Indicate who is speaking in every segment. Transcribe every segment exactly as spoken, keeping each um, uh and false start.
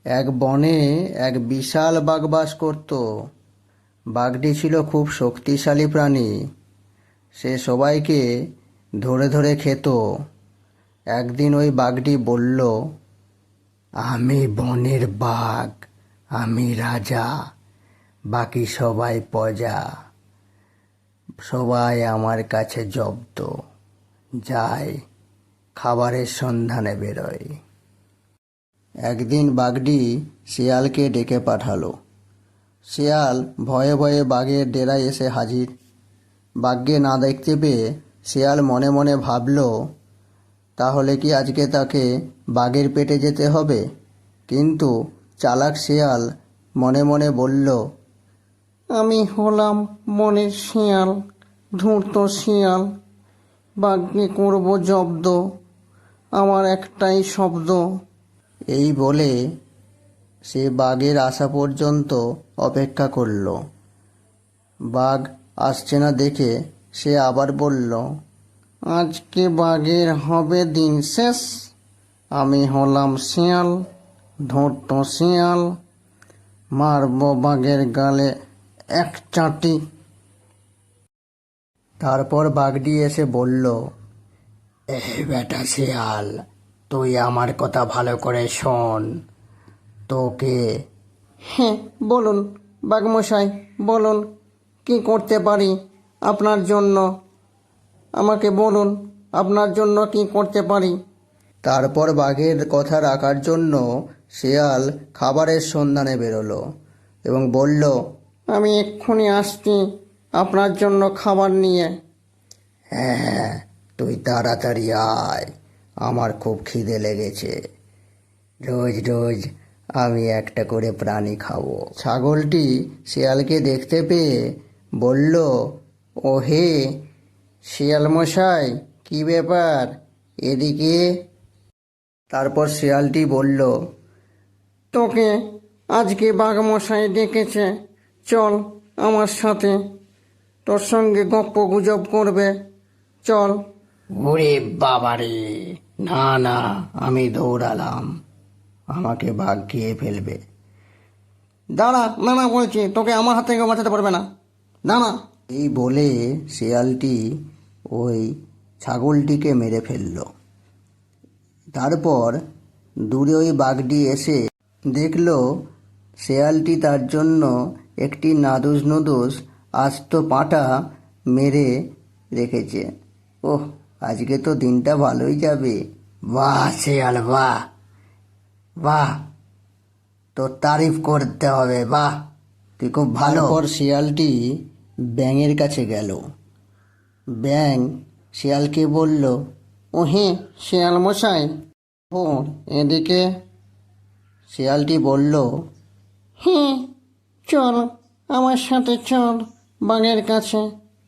Speaker 1: এক বনে এক বিশাল বাঘ বাস করত। বাঘটি ছিল খুব শক্তিশালী প্রাণী। সে সবাইকে ধরে ধরে খেত। একদিন ওই বাঘটি বলল, আমি বনের বাঘ, আমি রাজা, বাকি সবাই প্রজা। সবাই আমার কাছে জব্দ, যায় খাবারের সন্ধানে বেরোয়। একদিন বাঘটি শিয়ালকে ডেকে পাঠালো। শিয়াল ভয়ে ভয়ে বাঘের ডেরায় এসে হাজির। বাঘকে না দেখতে পেয়ে শিয়াল মনে মনে ভাবল, তাহলে কি আজকে তাকে বাঘের পেটে যেতে হবে? কিন্তু চালাক শিয়াল মনে মনে বলল,
Speaker 2: আমি হলাম বনের শিয়াল, ধূর্ত শিয়াল, বাঘকে করব জব্দ, আমার একটাই শব্দ।
Speaker 1: এই বলে সে বাঘের আসা পর্যন্ত অপেক্ষা করল। বাঘ আসছে না দেখে সে আবার বলল,
Speaker 2: আজকে বাঘের হবে দিন শেষ, আমি হলাম শিয়াল, ধূর্ত শিয়াল, মারব বাঘের গালে এক চাটি।
Speaker 1: তারপর বাঘটি এসে বলল, এই বেটা শিয়াল, তুই আমার কথা ভালো করে শোন। তোকে
Speaker 2: হ্যাঁ বলুন বাঘমশাই, বলুন কি করতে পারি আপনার জন্য, আমাকে বলুন আপনার জন্য কি করতে পারি।
Speaker 1: তারপর বাঘের কথা রাখার জন্য শিয়াল খাবারের সন্ধানে বেরোলো এবং বলল,
Speaker 2: আমি এক্ষুনি আসছি আপনার জন্য খাবার নিয়ে।
Speaker 1: হ্যাঁ, তুই তাড়াতাড়ি আয়, আমার খুব খিদে লেগেছে। রোজ রোজ আমি একটা করে প্রাণী খাবো। ছাগলটি শিয়ালকে দেখতে পেয়ে বলল,
Speaker 2: ও হে শিয়াল মশাই, কি ব্যাপার, এদিকে।
Speaker 1: তারপর শিয়ালটি বলল,
Speaker 2: তোকে আজকে বাঘমশাই ডেকেছে, চল আমার সাথে, তোর সঙ্গে গপ্প গুজব করবে, চল।
Speaker 1: ওরে বাবারে, না না, আমি দৌড়ালাম, আমাকে বাঘ খেয়ে ফেলবে।
Speaker 2: দাঁড়া, না না বলছি, তোকে আমার হাত থেকে বাঁচাতে পারবে না, দাঁড়া।
Speaker 1: এই বলে শিয়ালটি ওই ছাগলটিকে মেরে ফেলল। তারপর দূরে ওই বাঘটি এসে দেখল শেয়ালটি তার জন্য একটি নাদুস নুদুস আস্ত পাঁঠা মেরে রেখেছে। ওহ, আজকে তো দিনটা ভালোই যাবে। বাহ শেয়াল, বাহ বাহ, তোর তারিফ করতে হবে, বাহ, তুই খুব ভালো। তারপর শিয়ালটি ব্যাঙের কাছে গেল। ব্যাঙ শিয়ালকে বলল,
Speaker 2: ও হে শিয়াল মশাই, ও এদিকে।
Speaker 1: শিয়ালটি বলল,
Speaker 2: হ্যাঁ চল আমার সাথে, চল বাঘের কাছে।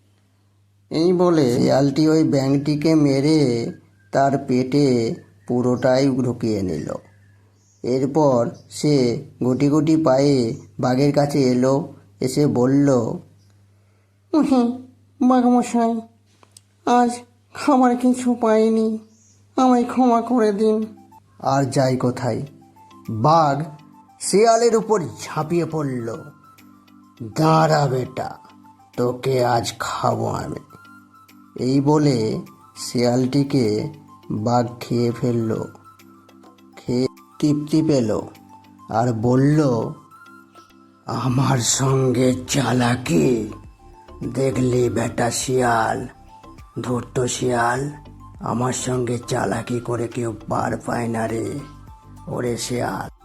Speaker 1: এই বলে শিয়ালটি ওই ব্যাঙটিকে মেরে তার পেটে পুরোটাই ঢুকিয়ে নিল। এরপর সে গুটি গুটি পায়ে বাঘের কাছে এলো, এসে বলল,
Speaker 2: হ্যাঁ বাঘমশাই, আজ খাবার কিছু পাইনি, আমায় ক্ষমা করে দিন।
Speaker 1: আর যাই কোথায়, বাঘ শিয়ালের উপর ঝাঁপিয়ে পড়ল। দাঁড়া বেটা, তোকে আজ খাবো আমি। এই বলে শিয়ালটিকে বাঘ খেয়ে ফেলল। খেয়ে তৃপ্তি পেল আর বলল, আমার সঙ্গে চালাকি দেখলি বেটা শিয়াল, ধূর্ত শিয়াল, আমার সঙ্গে চালাকি করে কেউ পার পায় না রে। ওরে শিয়াল,